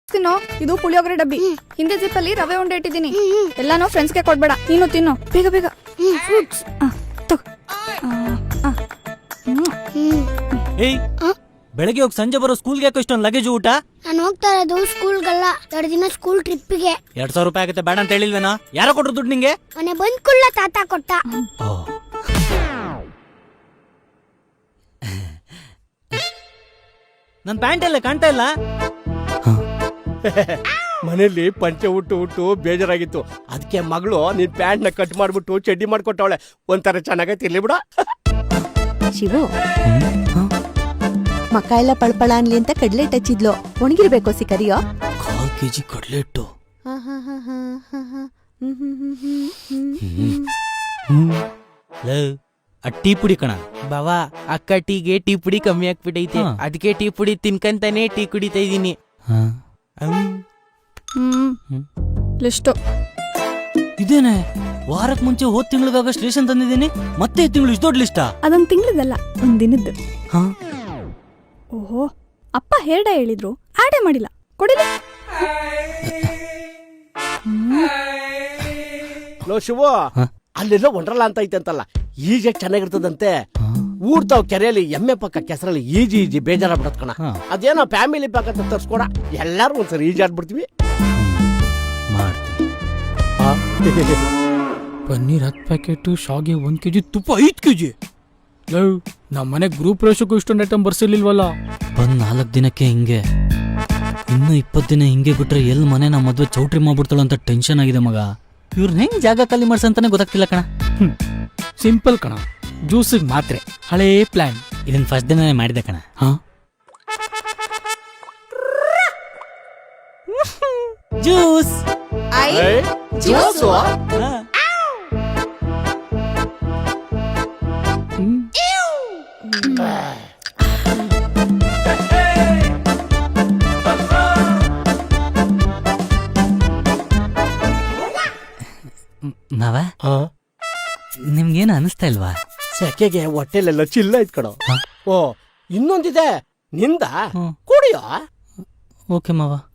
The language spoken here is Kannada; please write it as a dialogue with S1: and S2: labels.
S1: ತಿನ್ನೋ, ಇದು ಪುಳಿಯೋಗರೆ ಡಬ್ಬಿ. ಹಿಂದೆ ಜಿಪ್ಪಲ್ಲಿ ರವೆ ಉಂಡೆ ಇಟ್ಟಿದ್ದೀನಿ. ಎಲ್ಲಾನು ಫ್ರೆಂಡ್ಸ್ಗೆ ಕೊಡ್ಬೇಡ, ನೀನು ತಿನ್ನು ಬೇಗ ಬೇಗ.
S2: ಏಯ್, ಬೆಳಗ್ಗೆ ಹೋಗಿ ಸಂಜೆ ಬರೋ ಸ್ಕೂಲ್ಗೆ ಯಾಕೋ ಇಷ್ಟೊಂದು ಲಗೇಜ್ ಊಟ?
S3: ನಾನು ಹೋಗ್ತಾ ಇರೋದು ಸ್ಕೂಲ್ಗಲ್ಲ, 2 ದಿನ ಸ್ಕೂಲ್ ಟ್ರಿಪ್ಗೆ.
S2: 2000 ರೂಪಾಯಿ ಆಗುತ್ತೆ, ಬೇಡ ಅಂತ ಹೇಳಿಲ್ವೇನೋ? ಯಾರೋ ಕೊಟ್ರು ದುಡ್ಡು ನಿಂಗೆ?
S3: ಮನೆ ಬಂದ್ ಕುಳ್ಳ ತಾತ ಕೊಟ್ಟ.
S2: ನನ್ ಪ್ಯಾಂಟ್ ಎಲ್ಲ ಕಾಣ್ತಾ ಇಲ್ಲ.
S4: ಮನೇಲಿ ಪಂಚೆ ಹುಟ್ಟು ಬೇಜಾರಾಗಿತ್ತು. ಅದಕ್ಕೆ ಮಗಳು ನಿನ್ ಪ್ಯಾಂಟ್ ನ ಕಟ್ ಮಾಡ್ಬಿಟ್ಟು ಚಡ್ಡಿ ಮಾಡ್ಕೊಟ್ಟವಳೆ. ಒಂಥರ ಚೆನ್ನಾಗೈತಿ, ಇರ್ಲಿ ಬಿಡ.
S5: ಶಿವು, ಮಕ್ಕ ಎಲ್ಲ ಪಳ್ಪಳ ಅನ್ಲಿ ಅಂತ ಕಡ್ಲೆ ಹಚ್ಚಿದ್ಲು. ಒಣಗಿರ್ಬೇಕು ಕರಿಯೋ.
S2: 1/4 kg ಕಡ್ಲೆ ಇಟ್ಟು. ಟೀ ಪುಡಿ ಕಣ
S6: ಬಾವಾ, ಅಕ್ಕ ಟೀಗೆ ಟೀ ಪುಡಿ ಕಮ್ಮಿ ಆಗ್ಬಿಟ್ಟೈತೆ. ಅದಕ್ಕೆ ಟೀ ಪುಡಿ ತಿನ್ಕಂತಾನೆ ಟೀ ಕುಡಿತಾ ಇದೀನಿ.
S1: ಲಿಸ್ಟು
S2: ಇದೇನೆ, ವಾರಕ್ ಮುಂಚೆ ಹೋದ್ ತಿಂಗಳಿಗಾಗಷ್ಟು ರೇಷನ್ ತಂದಿದ್ದೀನಿ, ಮತ್ತೆ ಈ ತಿಂಗಳು ಇಷ್ಟು ದೊಡ್ಡ ಲಿಸ್ಟಾ?
S1: ಅದೊಂದು ತಿಂಗಳದಲ್ಲ, ಒಂದ್ ದಿನದ್ದು. ಓಹೋ, ಅಪ್ಪ ಹೇರ್ಡ ಹೇಳಿದ್ರು, ಆಡೇ ಮಾಡಿಲ್ಲ. ಕೊಡಿಲ್ಲ.
S4: ಲೋ ಶಿವು, ಅಲ್ಲೆಲ್ಲ ಒಂಡ್ರಲ್ಲ ಅಂತ ಐತೆ ಅಂತಲ್ಲ, ಈಜೆ ಚೆನ್ನಾಗಿರ್ತದಂತೆ. ಊರ್ತಾವ್ ಕೆರೆಯಲ್ಲಿ ಎಮ್ಮೆ ಪಕ್ಕ ಕೆಸರಲ್ಲಿ ಈಜಿ ಬೇಜಾರಾಗ್ಬಿಡತ್ ಕಣ. ಅದೇನೋ ಫ್ಯಾಮಿಲಿ ಪ್ಯಾಕ್ ಅಂತ ತರ್ಸ್ಕೊಡ, ಎಲ್ಲಾರು ಒಂದ್ಸರಿ ಈಜಾಡ್ಬಿಡ್ತೀವಿ.
S7: ಪನ್ನೀರ್ 10 ಪ್ಯಾಕೆಟ್, ಶಾವಿಗೆ 1 kg, ತುಪ್ಪ 5 kg. ನಮ್ಮನೆ ಗ್ರೂಪ್ ರೇಷಕ್ಕೂ ಇಷ್ಟೊಂದು ಐಟಮ್ ಬರ್ಸಿರ್ಲಿಲ್ವಲ್ಲ.
S2: ಬಂದ್ 4 ದಿನಕ್ಕೆ ಹಿಂಗೆ, ಇನ್ನು 20 ದಿನ ಹಿಂಗೆ ಬಿಟ್ರೆ ಎಲ್ ಮನೆ ನಾ ಮದ್ವೆ ಚೌಟ್ರಿ ಮಾಡ್ಬಿಡ್ತಾಳ ಅಂತ ಟೆನ್ಷನ್ ಆಗಿದೆ ಮಗ. ಇವ್ರನ್ನ ಹೆಂಗ್ ಜಾಗ ಖಾಲಿ ಮಾಡ್ಸಂತಾನೆ ಗೊತ್ತಾಗ್ತಿಲ್ಲ ಕಣ.
S7: ಸಿಂಪಲ್ ಕಣ, ಜ್ಯೂಸಿಗೆ ಮಾತ್ರೆ, ಹಳೇ ಪ್ಲಾನ್.
S2: ಇದನ್ ಫಸ್ಟ್ ದಿನನೇ ಮಾಡಿದೆ ಕಣ. ಜ್ಯೂಸ್ ನಾವ ನಿಮ್ಗೇನು ಅನಿಸ್ತಾ ಇಲ್ವಾ?
S4: ಸೆಕೆಗೆ ಹೊಟ್ಟೆಲೆಲ್ಲ ಚಿಲ್ಲ ಐತ್ ಕಣ. ಓ, ಇನ್ನೊಂದಿದೆ ನಿಂದ, ಕುಡಿಯೋ.
S2: ಓಕೆ ಮಾವ.